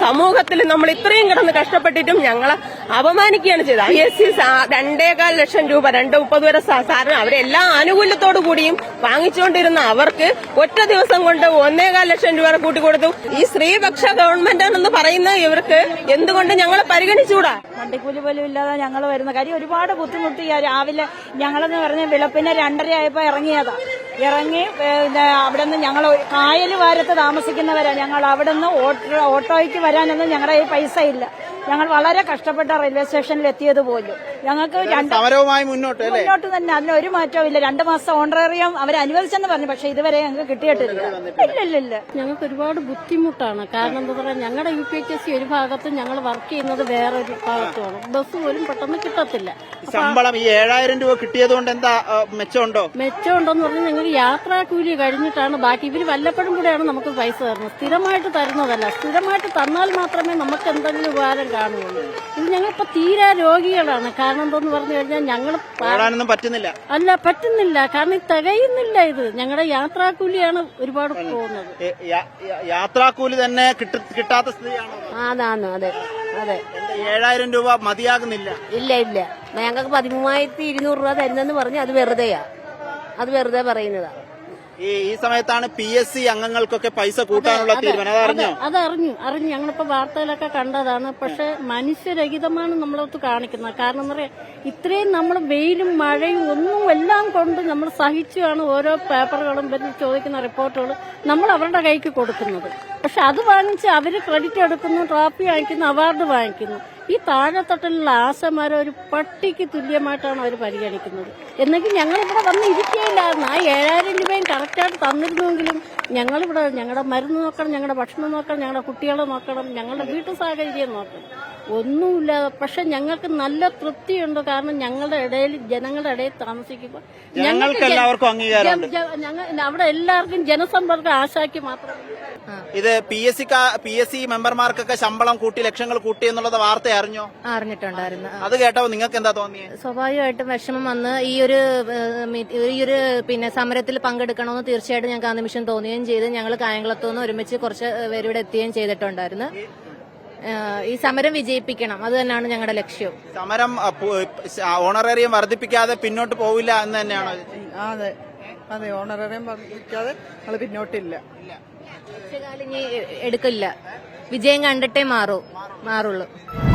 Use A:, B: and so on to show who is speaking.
A: സമൂഹത്തിൽ നമ്മൾ ഇത്രയും കിടന്ന് കഷ്ടപ്പെട്ടിട്ടും ഞങ്ങളെ അപമാനിക്കുകയാണ് ചെയ്തത്. ISC 2.25 ലക്ഷം രൂപ 2.30 വരെ സാറിന് അവരെല്ലാ ആനുകൂല്യത്തോടു കൂടിയും വാങ്ങിച്ചുകൊണ്ടിരുന്ന അവർക്ക് ഒറ്റ ദിവസം കൊണ്ട് 1.25 ലക്ഷം രൂപ കൂട്ടിക്കൊടുത്തു. ഈ സ്ത്രീപക്ഷ ഗവൺമെന്റാണെന്ന് പറയുന്ന ഇവർക്ക് എന്തുകൊണ്ട് ഞങ്ങളെ പരിഗണിച്ചുകൂടാ?
B: വണ്ടിക്കൂലി പോലും ഇല്ലാതെ ഞങ്ങൾ വരുന്ന കാര്യം ഒരുപാട് ബുദ്ധിമുട്ടി. രാവിലെ ഞങ്ങളെന്ന് പറഞ്ഞ വെളുപ്പിനെ 2:30 ആയപ്പോ ഇറങ്ങി അവിടെ നിന്ന് ഞങ്ങൾ കായൽ വാരത്ത് താമസിക്കുന്നവരാ. ഞങ്ങൾ അവിടെ നിന്ന് ഓട്ടോയ്ക്ക് വരാനൊന്നും ഞങ്ങളുടെ കയ്യിൽ പൈസ ഇല്ല. ഞങ്ങൾ വളരെ കഷ്ടപ്പെട്ട റെയിൽവേ സ്റ്റേഷനിൽ എത്തിയത് പോലും. ഞങ്ങൾക്ക് മുന്നോട്ട് തന്നെ അതിന് ഒരു മാറ്റവും ഇല്ല. 2 മാസം ഓണറേറിയം അവർ അനുവദിച്ചെന്ന് പറഞ്ഞു, പക്ഷെ ഇതുവരെ ഞങ്ങൾക്ക് കിട്ടിയിട്ടില്ല. ഇല്ല
C: ഞങ്ങൾക്ക് ഒരുപാട് ബുദ്ധിമുട്ടാണ്. കാരണം എന്താ പറയാ, ഞങ്ങളുടെ UPHSC ഒരു ഭാഗത്തും ഞങ്ങൾ വർക്ക് ചെയ്യുന്നത് വേറൊരു ഭാഗത്തുമാണ്. ബസ് പോലും പെട്ടെന്ന് കിട്ടത്തില്ല.
D: ശമ്പളം ഈ 7000 രൂപ കിട്ടിയതുകൊണ്ട് എന്താ
C: മെച്ചമുണ്ടോന്ന് പറഞ്ഞാൽ ഞങ്ങൾ യാത്രാ കൂലി കഴിഞ്ഞിട്ടാണ് ബാക്കി. ഇവര് വല്ലപ്പോഴും കൂടെയാണ് നമുക്ക് പൈസ തരുന്നത്, സ്ഥിരമായിട്ട് തരുന്നതല്ല. സ്ഥിരമായിട്ട് തന്നാൽ മാത്രമേ നമുക്ക് എന്തെങ്കിലും ഉപകാരം കാണുകയുള്ളൂ. ഇത് ഞങ്ങളിപ്പോ തീരെ രോഗികളാണ്. കാരണം എന്താന്ന് പറഞ്ഞു കഴിഞ്ഞാൽ ഞങ്ങൾ പറ്റുന്നില്ല. കാരണം ഇത് തികയുന്നില്ല. ഇത് ഞങ്ങളുടെ യാത്രാക്കൂലിയാണ് ഒരുപാട് പോകുന്നത്.
D: യാത്രാക്കൂലി തന്നെ കിട്ടാത്ത സ്ഥിതിയാണോ?
C: അതെ
D: 7000 രൂപ മതിയാകുന്നില്ല.
C: ഇല്ല ഞങ്ങൾക്ക് 13,200 രൂപ തരുന്നെന്ന് പറഞ്ഞ് അത് വെറുതെ പറയുന്നതാ.
D: ഈ സമയത്താണ് PSC അംഗങ്ങൾക്കൊക്കെ പൈസ കൂട്ടാനുള്ള തീരുമാനം.
C: അതറിഞ്ഞു ഞങ്ങളിപ്പോ വാർത്തയിലൊക്കെ കണ്ടതാണ്. പക്ഷെ മനുഷ്യരഹിതമാണ് നമ്മളൊത്ത് കാണിക്കുന്നത്. കാരണം എന്താ പറയാ, ഇത്രയും നമ്മൾ വെയിലും മഴയും ഒന്നും എല്ലാം കൊണ്ട് നമ്മൾ സഹിച്ചാണ് ഓരോ പേപ്പറുകളും ചോദിക്കുന്ന റിപ്പോർട്ടുകൾ നമ്മൾ അവരുടെ കൈക്ക് കൊടുക്കുന്നത്. പക്ഷെ അത് വാങ്ങിച്ച് അവര് ക്രെഡിറ്റ് എടുക്കുന്നു, ട്രോഫി വാങ്ങിക്കുന്നു, അവാർഡ് വാങ്ങിക്കുന്നു. ഈ താഴെത്തട്ടിലുള്ള ആശമാരെ ഒരു പട്ടിക്ക് തുല്യമായിട്ടാണ് അവർ പരിഗണിക്കുന്നത്. എന്നെങ്കിൽ ഞങ്ങളിവിടെ വന്ന് ഇരിക്കുകയില്ലായിരുന്നു. ആ 7000 രൂപയും കറക്റ്റായിട്ട് തന്നിരുന്നുവെങ്കിലും ഞങ്ങളിവിടെ ഞങ്ങളുടെ മരുന്ന് നോക്കണം, ഞങ്ങളുടെ ഭക്ഷണം നോക്കണം, ഞങ്ങളുടെ കുട്ടികളെ നോക്കണം, ഞങ്ങളുടെ വീട്ടു സാഹചര്യം നോക്കണം. ഒന്നുമില്ലാതെ പക്ഷെ ഞങ്ങൾക്ക് നല്ല തൃപ്തിയുണ്ട്. കാരണം ഞങ്ങളുടെ ഇടയിൽ ജനങ്ങളുടെ ഇടയിൽ താമസിക്കുമ്പോൾ അവിടെ എല്ലാവർക്കും ജനസമ്പർക്കം ആശാക്കി മാത്രമേ.
D: ഇത് PSC മെമ്പർമാർക്കൊക്കെ ശമ്പളം കൂട്ടി, ലക്ഷങ്ങൾ കൂട്ടി എന്നുള്ളത് വാർത്ത
E: അറിഞ്ഞിട്ടുണ്ടായിരുന്നു.
D: അത് കേട്ടപ്പോ നിങ്ങൾക്ക് എന്താ തോന്നിയത്?
E: സ്വാഭാവികമായിട്ടും വിഷമം വന്ന് ഈ ഒരു സമരത്തിൽ പങ്കെടുക്കണമെന്ന് തീർച്ചയായിട്ടും ഞങ്ങൾക്ക് ആ നിമിഷം തോന്നുകയും ചെയ്ത് ഞങ്ങൾ കായംകുളത്തുനിന്ന് ഒരുമിച്ച് കുറച്ച് പേരിവിടെ എത്തുകയും ചെയ്തിട്ടുണ്ടായിരുന്നു. ഈ സമരം വിജയിപ്പിക്കണം, അത് തന്നെയാണ് ഞങ്ങളുടെ ലക്ഷ്യം.
D: സമരം ഓണറേറിയം വർദ്ധിപ്പിക്കാതെ പിന്നോട്ട് പോവില്ല എന്ന് തന്നെയാണോ?
F: അതെ ഓണറേറിയം വർദ്ധിപ്പിക്കാതെ ഞങ്ങൾ പിന്നോട്ടില്ല.
E: ഇനി എടുക്കില്ല. വിജയം കണ്ടിട്ടേ മാറുള്ളൂ.